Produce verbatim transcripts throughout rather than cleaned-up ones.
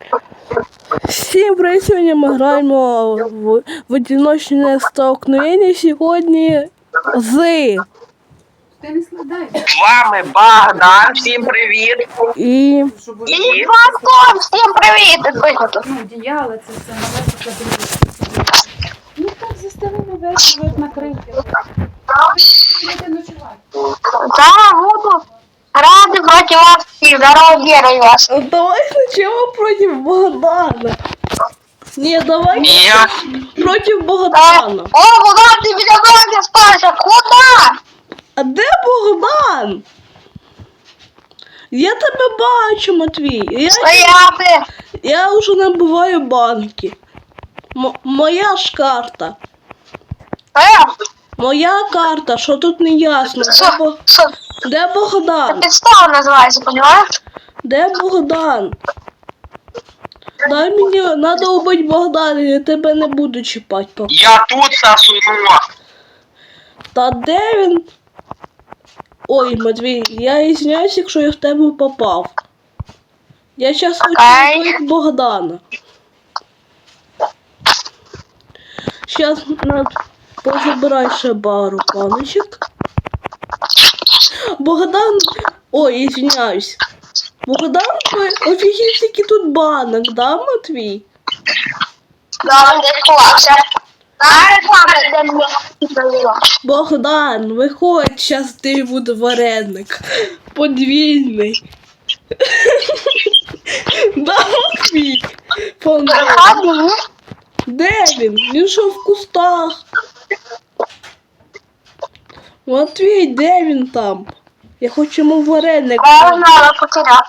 Всім привіт, сьогодні ми граємо в, в одиночне столкновення сьогодні з... Ти не складай. З вами Богдан, всім привіт. І... І Антон, всім привіт! Ну, одіяло, це все нове потрібно. Ну так, застелимо весь живот накрити. Будете ночувати. Да, буду. Рады проти вас всіх, здорово, вірую вас. Давай спочатку проти Богдана. Ні, давай Ні. проти Богдана. О, куда ти біля мене спався? Куда? А де Богдан? Я тебе бачу, Матвій. Я, Стояти. я вже набиваю банки. М моя ж карта. Е, Моя карта, що тут не ясно. Де, що? Бо... Що? де Богдан? Підстава називається, понимаєш? Де Богдан? Дай мені, треба убити Богдана, я тебе не буду чіпати. поки. Я тут сосунок. Та де він? Ой, Матвій, я ізвиняюсь, якщо я в тебе попав. Я зараз хочу Окей. вбити Богдана. Зараз на... позабирай ще пару паночок. Богдан... Ой, ізвиняюсь. Богдан, офігеть, який тут банок, да, Матвій? Да, він десь ховався. А, реклама, де мені. Богдан, виходь, зараз ти буде вареник. Подвійний. Да, Матвій? Приходи. Де він? Він що в кустах? Матвій, де він там? Я хочу йому вареник. Я знала, потеряв.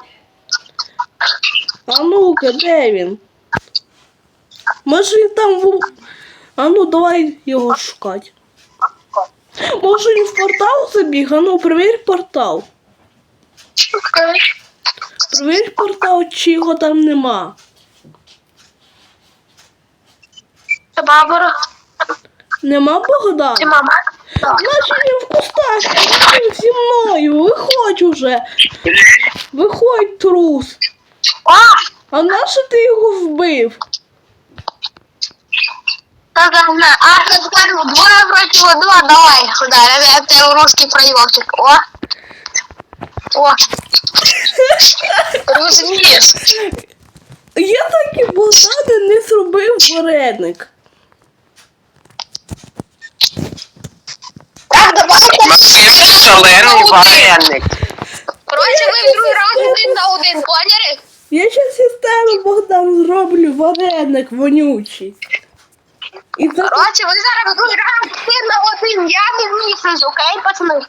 А ну-ка, де він? Може він там в... А ну, давай його шукати. Може він в портал забіг? А ну, перевір портал. Перевір портал, чи його там нема. Це бабура. Нема Богдана? Це мама. Значить він в кустах, він зі мною. Виходь уже. Виходь, трус. О, А нащо ти його вбив? так, а, я скажу, двое против одного, давай, да, это русский проемчик. О, о, розумієш? Я так і Богдана не зробив вареник. Так, давайте. Максим шалений вареник. Короче, ви в другий раз один на один, поняли? Я щас із тебе, Богдан, зроблю вареник вонючий. І за... Короче, ви зараз в другий раз один на один, я не вмісусь, окей, пацани?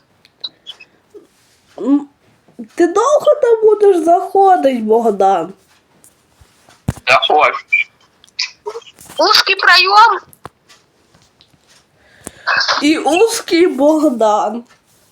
М, Ти довго там будеш заходить, Богдан? Заходь. Узкий пройом. І узкий Богдан.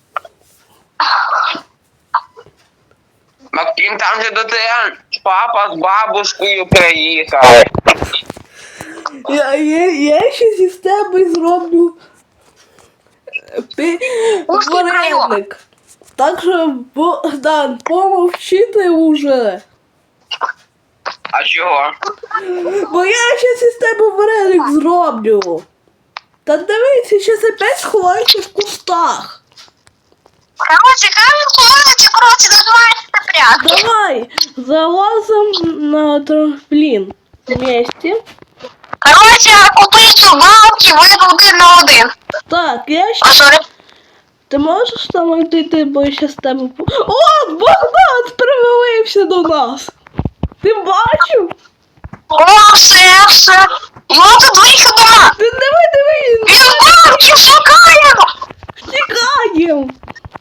Максим, там же до тебе папа з бабушкою приїхали. Я, я, я щас із тебе зроблю е, пи... Узкий вареник. Так що, Богдан, помовчи уже. А чого? Бо я щас із тебе вареник зроблю. Та дивися, щас опять сховайся в кустах. Короче, камень ховається, короче, називається прятки. Давай, залазим на трамплін. Вместе. Короче, купити балки, ви один на один. Так, я А щас... сорі. Ти можеш там йти, бо я щас тебе... по- О, Богдан привалився до нас. Ти бачив? О, все, все. Його тут виходимо. Ти диви, диви, Він балки шукає. втікаєм.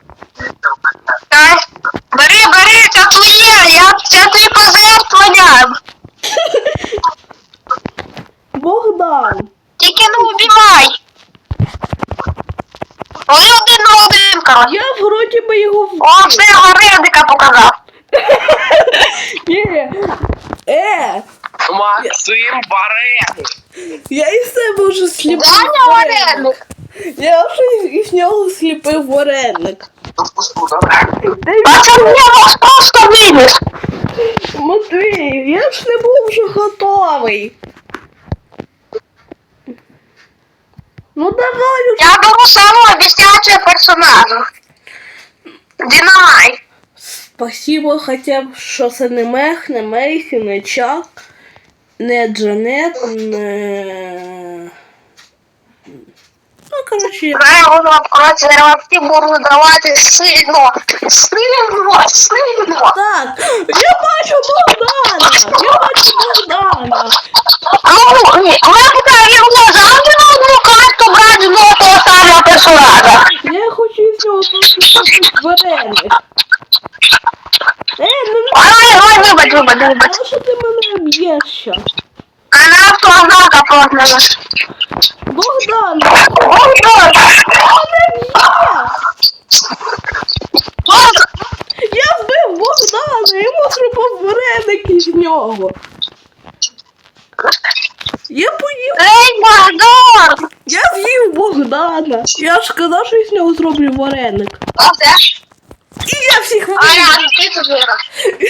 Так, бери, бери, це твоє, я, це твій пожертвування. Богдан. Тільки не убивай. Вони один на один, короче. Я вроді би його вбив. О, все, вареника показав. Ні. Е, Максим вареник. я із себе вже сліпив Даня вареник. вареник. Я вже із нього сліпив вареник. Пацан, я вас просто винес. Матвій, я ж не був вже готовий. Ну давай. Я беру самого объясняющего персонажа. Динамайт. Спасибо хоча б, що це не Мех, не Мейсі, не Чак, не Джанет, не... Ну, коротше, Правильно, короче, я всі буду давати сильно. Сильно, сильно. так, я бачу Богдана, я бачу Богдана. Ну, ми поки його завжди на одну карту брати знову того самого персонажа. Я хочу з нього просто вареник. Е, ну не Ой, ой, вибач, вибач, вибач. знаю, що ти мене б'єш щас. А на автознака просто. Богдан, Ой, ой. я вбив Богдана, йому зробив вареники з нього. Я поїв, Ей, Богдан! я з'їв Богдана. Я ж казав, що я з нього зроблю вареник. Оце. І я всіх А вбив. я, ти тут вирос.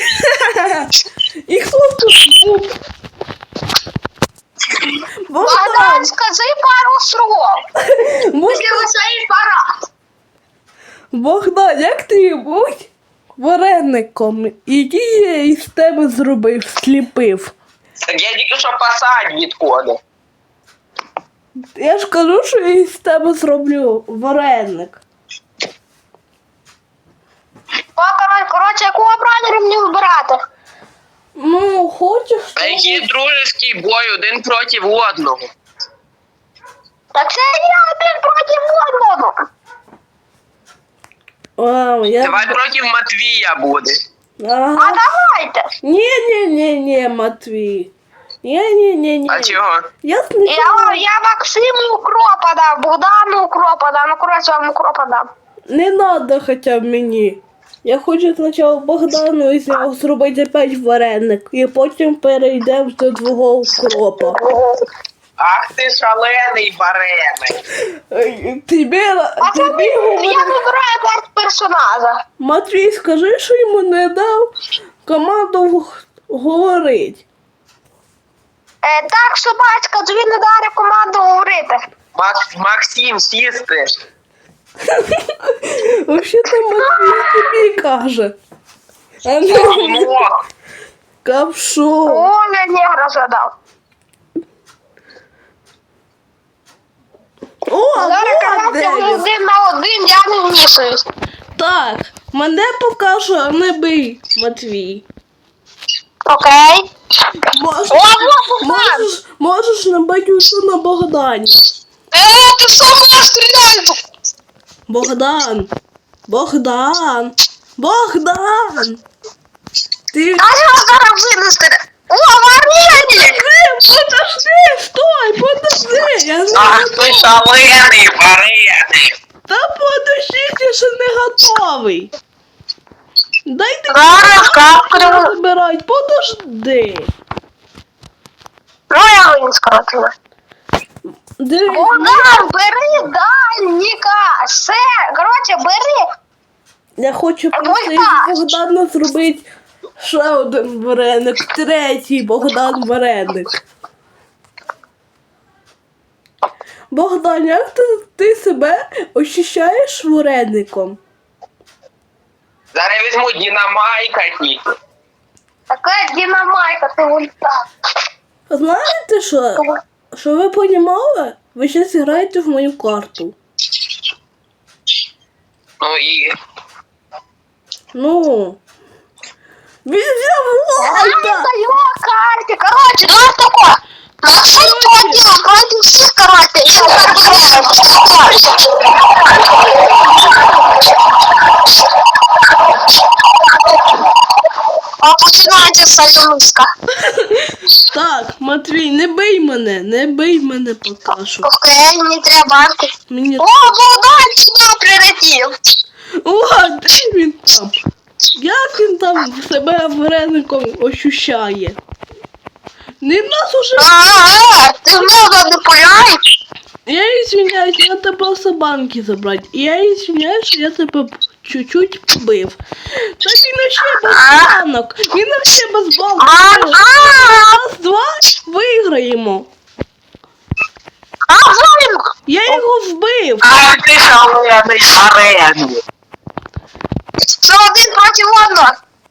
І хто тут був? Богдан, Богдан, скажи пару слов. Богдан, Если цей парад. Богдан, як ти будь вареником? Іди я із тебе зробив, сліпив. Так я тільки що посадь відходив. Я ж кажу, що я із тебе зроблю вареник. Покороть, коротше, якого бранера мені вибирати? Ну, хочеш? А який дружеський бой один проти одного. Так це я один проти одного. А, я... Давай проти Матвія буде. А Ага. давайте. Ні-ні-ні-ні, Матвій. Ні-ні-ні-ні. А чого? Я Я, спочатку... я Максиму укропа дам, Богдану укропа дам, ну коротше вам укропа дам. Не надо хоча б мені. Я хочу спочатку Богдану і з нього зробити опять вареник. І потім перейдемо до твого укропа. Ах ти шалений вареник. Ей, Тобі, А це тобі я говорю. вибираю перед персонажа. Матвій, скажи, що йому не дав команду г- говорить. Е, так, собачка, тобі не дали команду говорити. Макс, Максим, сісти. Взагалі-то Матвій тобі каже. А не Говно. Капшо. Оля негра задав. О, Зараз вот команда де він. один на один, я не вмішуюсь. Так, мене покаже, а не бий, Матвій. Окей. Можеш, О, Богдан! можеш, можеш набити усю на Богдані. Е, ти сама стріляй! Богдан. Богдан. Богдан. Ти... А я зараз винести. О, вареники! Подожди, стой, подожди. Я не Ах ти шалений вареник. Та подожди, я ще не готовий. Дайте Зараз капкрю. забирать, подожди. Ну, я винен скоротила. Дивись, Богдан, бери дальніка. Все, коротше, бери. я хочу просити Богдан. Богдана зробити ще один вареник, третій Богдан вареник. Богдан, як ти, ти себе ощущаєш вареником? Зараз візьму динамайка тільки. Така динамайка, ти ульта. Знаєте що? Що ви понімали? Ви зараз граєте в мою карту. Ну і Ну. Він взяв Я Вольта! даю карті. Коротше, давай тако. Максим проти, проти всіх, коротше. Я зараз А починається союзка. Так, Матвій, не бий мене, не бий мене поки що. Окей, не треба. Мені... О, Богдан сюди прилетів. О, де він там? Як він там себе вареником ощущає? Не в нас уже... Ага, ти в мене не пуляєш? Я извиняюсь, я тебе з банки забрати. Я извиняюсь, що я тебе чуть-чуть побив. Та він ще без банок. Він ще без банок. Раз, два, виграємо. А, Зоїм! Я його вбив. А ти шалений арену. Це один проти одного.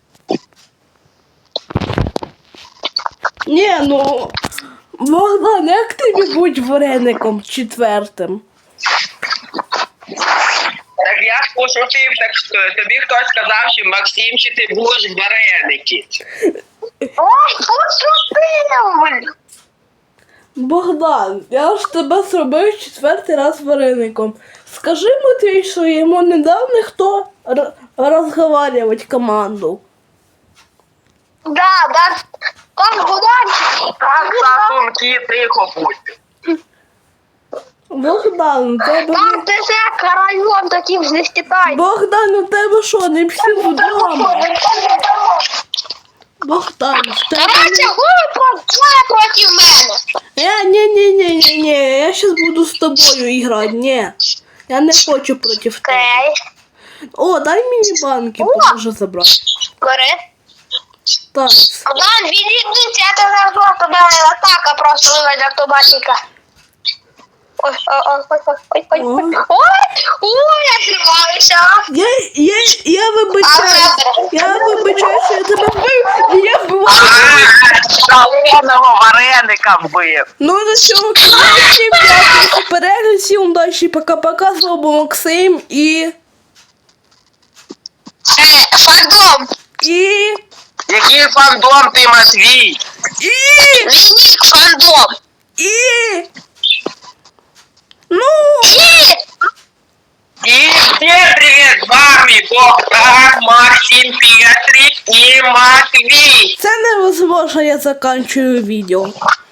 Ні, ну, Богдан, як тобі будь вареником четвертим? Так я ж пошутив, так що тобі хтось сказав, що Максим, чи ти будеш вареники. Ой, пошутив! Богдан, я ж тебе зробив четвертий раз вареником. Скажи Матвій, що йому не дав ніхто р- розговарювати команду. Да, да. Там Богданчик. Так, сасунки, тихо будь. Богдан, у тебе... Там ТЗ район таким не стітай. Богдан, у тебе що, не всі вдома? Богдан, в тебе... Короче, ви двоє проти мене. Е, ні, ні, ні, ні, ні, я щас буду з тобою грати, ні. Я не хочу проти тебе. Окей. О, дай мені банки, поможу забрати. Бери. Так, Богдан, відійдіть, я тебе просто давай атака просто виведе автобатика. Ой, ой, ой, ой, ой, ой, ой, ой, ой, ой, я зриваюся. я, я, я вибачаю, я вибачаю, що я тебе вбив, і я вбиваю. Шаленого вареника вбив. Ну, на цьому каналі всім дякую за перегляд, всім удачі, пока-пока, з вами Максим і... Е, фандом. І... Який фандом ти, Матвій? І... Вінік фандом. І... Ну... І... И всем привет, с вами Богдан, Максим, Петрик и Матвей. Це невозможно, я заканчую відео.